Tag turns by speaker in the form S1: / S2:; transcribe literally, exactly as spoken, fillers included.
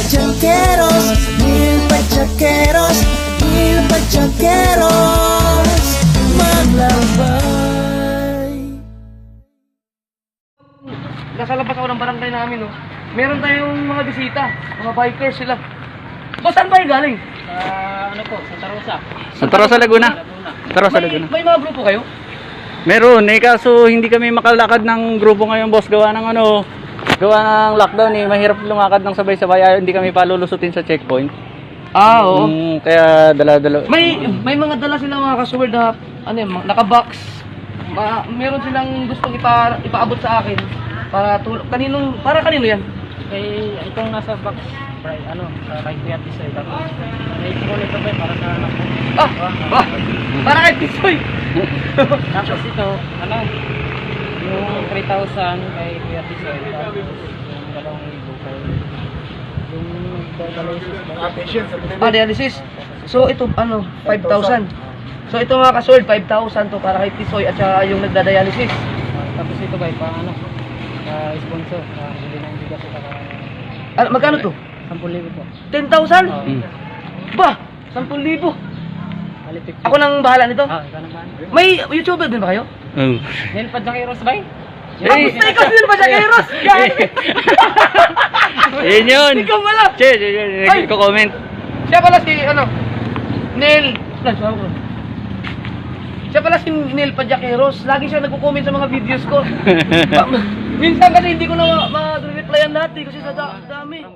S1: Pachaqueros, mil pachaqueros, mil pachaqueros, maglabay.
S2: Nasa labas ako ng barangay namin, no? Meron tayong mga bisita, mga bikers sila. O, saan ba yung galing?
S3: Ah, ano po, Santa Rosa.
S4: Santa Rosa, Laguna.
S3: Laguna.
S4: Santa Rosa,
S2: May,
S4: Laguna.
S2: may mga grupo kayo?
S4: Meron eh, kaso hindi kami makalakad ng grupo ngayon, boss. Gawa ng ano, gawa ng lockdown eh. Mahirap lumakad ng sabay-sabay. Ayaw, hindi kami palulusutin sa checkpoint.
S2: Ah, oo.
S4: Mm, kaya dala-dala.
S2: May may mga dala silang mga kasuwerd na, ano yun, mga naka-box. Ma, meron silang gustong ipa, ipaabot sa akin. Para tulong. Kaninong, para kanino yan?
S3: Eh, itong nasa box, right, ano, sa kay Kuya Tisoy. Tapos, naisip ko nito ba, para sa anak ko.
S2: Ah, ba? Para kay Tisoy.
S3: Tapos ito, ano, yung three thousand kay Kuya Tisoy. Tapos, yung dalawang libo kay, yung dialysis ba?
S2: Ah, dialysis. So, ito, ano, five thousand. So, ito mga kasuwerd, five thousand to para kay Tisoy at saka yung nagda-dialysis.
S3: Ah, tapos ito ba, pa ano, sa sponsor, uh, hindi na hindi kasi saka
S2: Ano, magkano to?
S3: ten libo po.
S2: ten thousand?
S3: Oh,
S4: Mm.
S2: Ba? ten libo.
S3: bali fifty.
S2: Ako nang bahala nito.
S3: Ah, ikaw naman.
S2: May YouTuber din ba kayo?
S4: Oh.
S3: Nilpad na kay Ross ba?
S2: Ah, gusto ikaw din ba siya kay Ross?
S4: Yun yun.
S2: Ikaw pala.
S4: Che, che, che,
S2: Ay!
S4: nagko-comment.
S2: Siya pala si, ano, Neil. Flash, ako ko. Siya pala si Neil Padjaqueros. Lagi siya nagko-comment sa mga videos ko. Ba- Minsan kasi hindi ko na ma- ma-replyan lahat eh, kasi sa da- dami.